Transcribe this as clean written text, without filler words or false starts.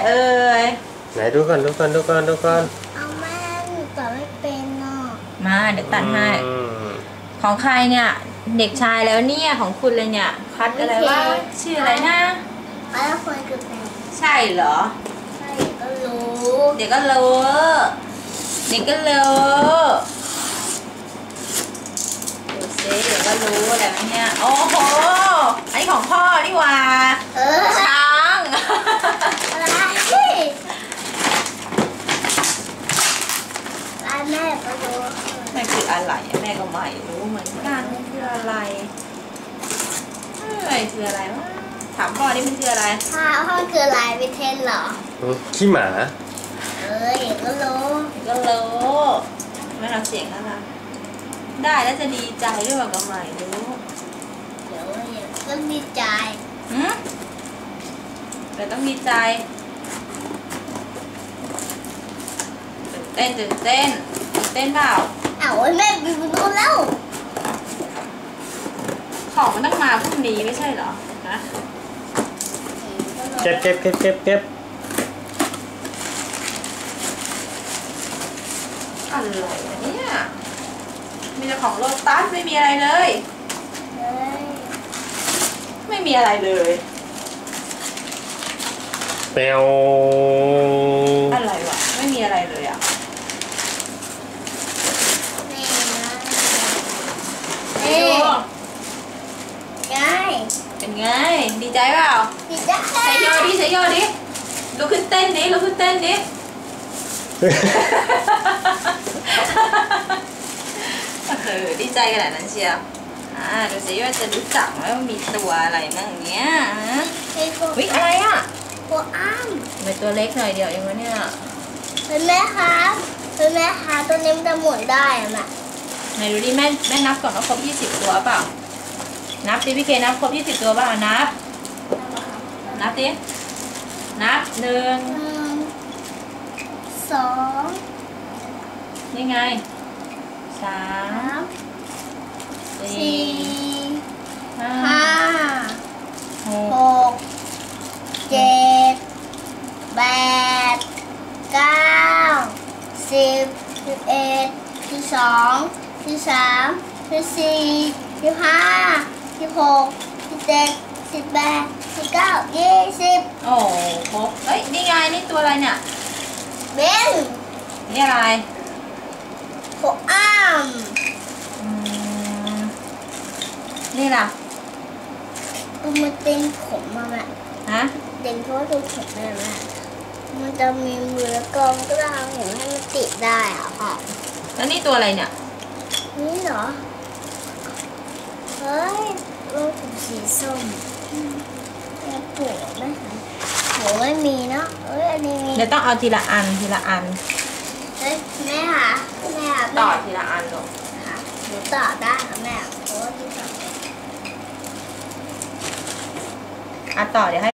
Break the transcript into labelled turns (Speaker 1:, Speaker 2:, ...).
Speaker 1: เอ่ย
Speaker 2: ไหนดูก่อน
Speaker 3: เอาแม่หนูต่อไม่เป็นเนาะ
Speaker 1: มาเดี๋ยวตัดให้ของใครเนี่ยเด็กชายแล้วเนี่ยของคุณเลยเนี่ยคัดอะไรว่าชื่ออะไรนะ
Speaker 3: แล้วคนคือแฟน
Speaker 1: ใช่เหรอ
Speaker 3: ใช่ก็รู้
Speaker 1: เด็กก็รู้ดูสิเด็กก็รู้อะไรเนี่ยโอ้โหอันนี้ของพ่อนี่หว่าช้าง
Speaker 3: อะไรแม่ก็รู้
Speaker 1: แม่คืออะไรแม่ก็ไม่รู้เหมือนกันมันคืออะไรคืออะไรวะถามพ่อนี่มันคืออะไร
Speaker 3: พ่อคืออะไรวิเทนเหรอ
Speaker 2: ขี้หมา
Speaker 3: ก็รู้
Speaker 1: ไม่ทำเสียงอะไรได้แล้วจะดีใจด้วยว่าก็ไม่รู้
Speaker 3: เดี๋ยวก็ดีใจ
Speaker 1: แต่ต้องดีใจตื่นเต้นเปล่า
Speaker 3: แม่บิวรู้แล้ว
Speaker 1: ของมันต้องมาพรุ่งนี้ไม่ใช่เหรอนะ
Speaker 2: เก็บ
Speaker 1: อะไรเนี่ยมีแต่ของโลตัสไม่มีอะไรเลยไม่มีอะไรเลย
Speaker 2: แมว
Speaker 1: อะไรวะไม่มีอะไรเลยอ่ะเป็นไงดีใจเปล่า
Speaker 3: ดีใจ
Speaker 1: ใส่โยดิลุกขึ้นเต้นดิดีใจขนาดนั้นเชียวดูสิว่าจะรู้จักไหมว่ามีตัวอะไรมั่งเนี้ยวิอะไรอ่ะ
Speaker 3: ตัวอ้าม
Speaker 1: เป็นตัวเล็กหน่อยเดียวเองวะเนี่ย
Speaker 3: เป็นแม่คะตัวนี้มันจะหมุนได้อะแม่
Speaker 1: ไหนดูดิแม่นับก่อนว่าครบ20ตัวเปล่านับดิพี่เคนับครบ20ตัวเปล่านับดินับ1
Speaker 3: 2
Speaker 1: นี่ไง3 4 5
Speaker 3: 6 7 8 9 10 11 12 13 14 15 16 17 18 19 20
Speaker 1: โอ้ครบเฮ้ยนี่ไงนี่ตัวอะไรเนี่ย
Speaker 3: เบน
Speaker 1: นี่อะไร
Speaker 3: ตัวอ้าม
Speaker 1: นี่ล่ะ
Speaker 3: มันเต็มผมมาแม่เต็มเพราะว่าตัวผมแม่มันจะมีมือแล้วก็มันก็จะทำผมให้มันติดได้อ่ะพ่อ
Speaker 1: แล้วนี่ตัวอะไรเนี่ย
Speaker 3: นี่เหรอเฮ้ยรถผมสีส้มแม่ปวดไหมหัวไม่มีเนาะอันนี้มี
Speaker 1: เดี๋ยวต้องเอาทีละอัน
Speaker 3: เฮ้ยแม่ค่ะ
Speaker 1: ต่อทีละอันลง
Speaker 3: ค่ะหนูต่อได้ค่ะแม่เพราะว่าที่ต่อ
Speaker 1: ต่อเดี๋ยวให้